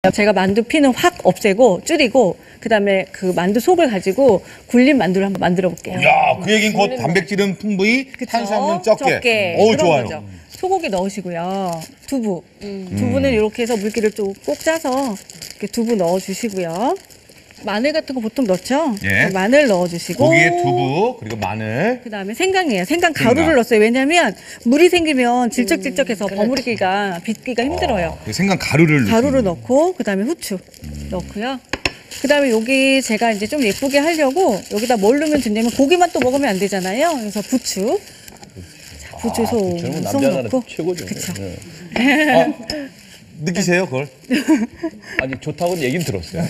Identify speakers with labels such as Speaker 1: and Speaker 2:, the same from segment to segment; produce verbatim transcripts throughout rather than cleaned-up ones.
Speaker 1: 제가 만두 피는 확 없애고 줄이고 그다음에 그 만두 속을 가지고 굴린 만두를 한번 만들어 볼게요.
Speaker 2: 야, 그 얘기는 곧 단백질은 풍부히,
Speaker 1: 그쵸?
Speaker 2: 탄수화물은 적게.
Speaker 1: 적게.
Speaker 2: 어우,
Speaker 1: 그런
Speaker 2: 좋아요.
Speaker 1: 거죠. 소고기 넣으시고요. 두부. 음. 두부는 이렇게 해서 물기를 좀 꼭 짜서 이렇게 두부 넣어주시고요. 마늘 같은 거 보통 넣죠?
Speaker 2: 예.
Speaker 1: 마늘 넣어주시고.
Speaker 2: 고기에 두부, 그리고 마늘.
Speaker 1: 그다음에 생강이에요. 생강 가루를
Speaker 2: 생강.
Speaker 1: 넣었어요. 왜냐하면 물이 생기면 질척질척해서 버무리기가 빚기가 힘들어요.
Speaker 2: 그 생강 가루를
Speaker 1: 가루를 넣고 그다음에 후추 음. 넣고요. 그다음에 여기 제가 이제 좀 예쁘게 하려고 여기다 뭘 넣으면 좋냐면 고기만 또 먹으면 안 되잖아요. 그래서 부추. 자, 부추 송,
Speaker 3: 저는
Speaker 1: 송
Speaker 3: 남자는
Speaker 1: 넣고.
Speaker 3: 최고죠.
Speaker 1: 그쵸.
Speaker 3: 네.
Speaker 2: 어, 느끼세요, 그걸?
Speaker 3: 아니 좋다고는 얘기는 들었어요.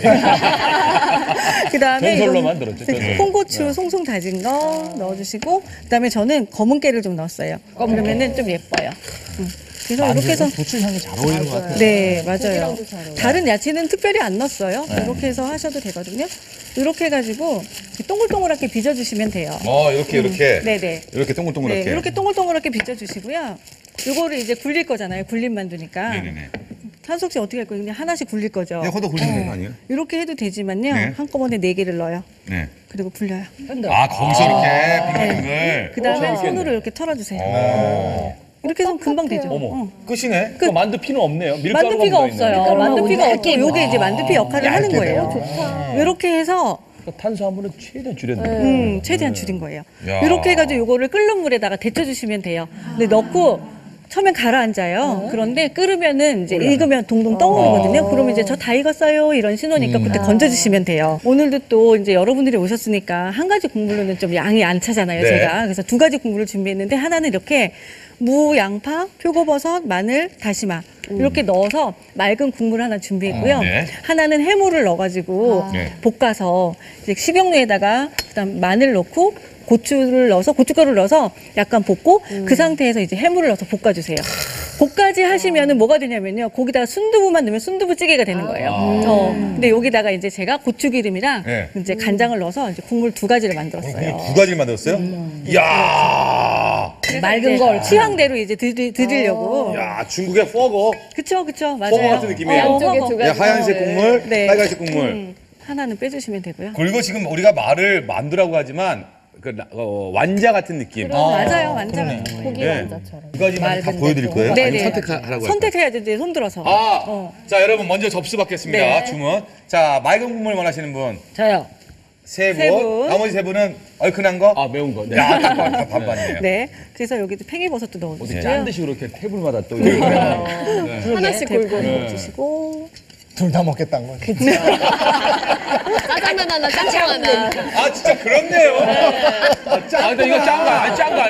Speaker 1: 그다음에
Speaker 3: 전설로만
Speaker 1: 이건
Speaker 3: 들었죠. 전설.
Speaker 1: 홍고추 송송 다진 거 넣어주시고 그다음에 저는 검은 깨를 좀 넣었어요. 그러면은 좀 예뻐요. 음. 그래서 이렇게 해서
Speaker 2: 부추 향이 잘 어울리는 것 같아요.
Speaker 1: 네, 맞아요. 다른 야채는 특별히 안 넣었어요. 이렇게 해서 하셔도 되거든요. 이렇게 해가지고 동글동글하게 빚어주시면 돼요.
Speaker 2: 어, 이렇게, 이렇게.
Speaker 1: 네네.
Speaker 2: 이렇게
Speaker 1: 네,
Speaker 2: 동글동글하게.
Speaker 1: 이렇게 동글동글하게 빚어주시고요. 이거를 이제 굴릴 거잖아요. 굴린 만두니까.
Speaker 2: 네네네.
Speaker 1: 한석 씨 어떻게 할 거예요? 그냥 하나씩 굴릴 거죠.
Speaker 2: 그냥 허더 굴리면 되는 거 아니에요?
Speaker 1: 이렇게 해도 되지만요.
Speaker 2: 네.
Speaker 1: 한꺼번에 네 개를 넣어요.
Speaker 2: 네.
Speaker 1: 그리고 굴려요.
Speaker 2: 아, 거기서 이렇게 빙글빙글.
Speaker 1: 그 다음에
Speaker 3: 어,
Speaker 1: 손으로 이렇게 털어주세요.
Speaker 2: 어.
Speaker 1: 이렇게 해서 금방 되죠.
Speaker 3: 어머.
Speaker 1: 어.
Speaker 2: 끝이네.
Speaker 3: 그 만두 피는 없네요. 밀가루가
Speaker 1: 만두피가
Speaker 3: 묻어있네요.
Speaker 1: 없어요.
Speaker 4: 밀가루만
Speaker 1: 만두피가 없고
Speaker 4: 얇게
Speaker 1: 요게 이제 만두피 역할을 하는
Speaker 2: 얇게
Speaker 1: 거예요.
Speaker 2: 돼요.
Speaker 1: 이렇게 해서
Speaker 3: 그러니까 탄수화물은 최대한 줄였네요.
Speaker 1: 음, 최대한 줄인 거예요.
Speaker 2: 야.
Speaker 1: 이렇게 해가지고 요거를 끓는 물에다가 데쳐주시면 돼요. 근데 넣고 처음엔 가라앉아요. 그런데 끓으면은 이제 익으면 동동 떠오르거든요. 그러면 이제 저 다 익었어요 이런 신호니까 그때 건져주시면 돼요. 오늘도 또 이제 여러분들이 오셨으니까 한 가지 국물로는 좀 양이 안 차잖아요.
Speaker 2: 네.
Speaker 1: 제가 그래서 두 가지 국물을 준비했는데 하나는 이렇게 무, 양파, 표고버섯, 마늘, 다시마 이렇게 넣어서 맑은 국물 하나 준비했고요.
Speaker 2: 어, 네.
Speaker 1: 하나는 해물을 넣어가지고
Speaker 2: 네.
Speaker 1: 볶아서 이제 식용유에다가 그다음 마늘 넣고 고추를 넣어서 고춧가루를 넣어서 약간 볶고 그 상태에서 이제 해물을 넣어서 볶아주세요. 볶아지 하시면은 뭐가 되냐면요. 거기다가 순두부만 넣으면 순두부찌개가 되는 거예요. 어, 근데 여기다가 이제 제가 고추기름이랑
Speaker 2: 네.
Speaker 1: 이제 간장을 넣어서 이제 국물 두 가지를
Speaker 2: 국물
Speaker 1: 만들었어요.
Speaker 2: 두 가지를 만들었어요? 이야.
Speaker 1: 맑은 걸 취향대로 이제 드리, 드리려고.
Speaker 2: 야, 중국의 퍼거.
Speaker 1: 그쵸, 그쵸, 맞아요.
Speaker 2: 퍼거 같은 느낌이에요.
Speaker 4: 양쪽에
Speaker 1: 퍼거.
Speaker 4: 두
Speaker 2: 네,
Speaker 4: 가지.
Speaker 2: 하얀색 국물,
Speaker 1: 네.
Speaker 2: 빨간색 국물.
Speaker 1: 음, 하나는 빼주시면 되고요.
Speaker 2: 그리고 지금 우리가 말을 만두라고 하지만 그 라- 어, 완자 같은 느낌.
Speaker 1: 맞아요, 완전.
Speaker 4: 고기
Speaker 2: 네.
Speaker 4: 완자처럼.
Speaker 2: 두 가지만 다 보여드릴 거예요?
Speaker 1: 네네.
Speaker 2: 아니면 선택하라고 할까요?
Speaker 1: 선택해야죠, 이제 손 들어서.
Speaker 2: 아,
Speaker 1: 어.
Speaker 2: 자 여러분 먼저 접수 받겠습니다.
Speaker 1: 네.
Speaker 2: 주문. 자 맑은 국물 원하시는 분
Speaker 4: 저요.
Speaker 2: 세 분,
Speaker 1: 세 분.
Speaker 2: 나머지 세 분은 얼큰한 거.
Speaker 3: 아 매운 거. 네.
Speaker 2: 야, 딱 반- 다 반반이에요.
Speaker 1: 네. 그래서 여기도 팽이버섯도
Speaker 3: 어디
Speaker 1: 넣어주세요.
Speaker 3: 짠 듯이 그렇게 테이블마다 또.
Speaker 4: 하나씩 골고루.
Speaker 1: 넣어주시고.
Speaker 5: 둘 다 먹겠다는 거죠.
Speaker 4: 짜장면 하나, 짬뽕 하나.
Speaker 2: 아 진짜 그렇네요.
Speaker 3: 아 근데 이거 짠 거, 아니 짠거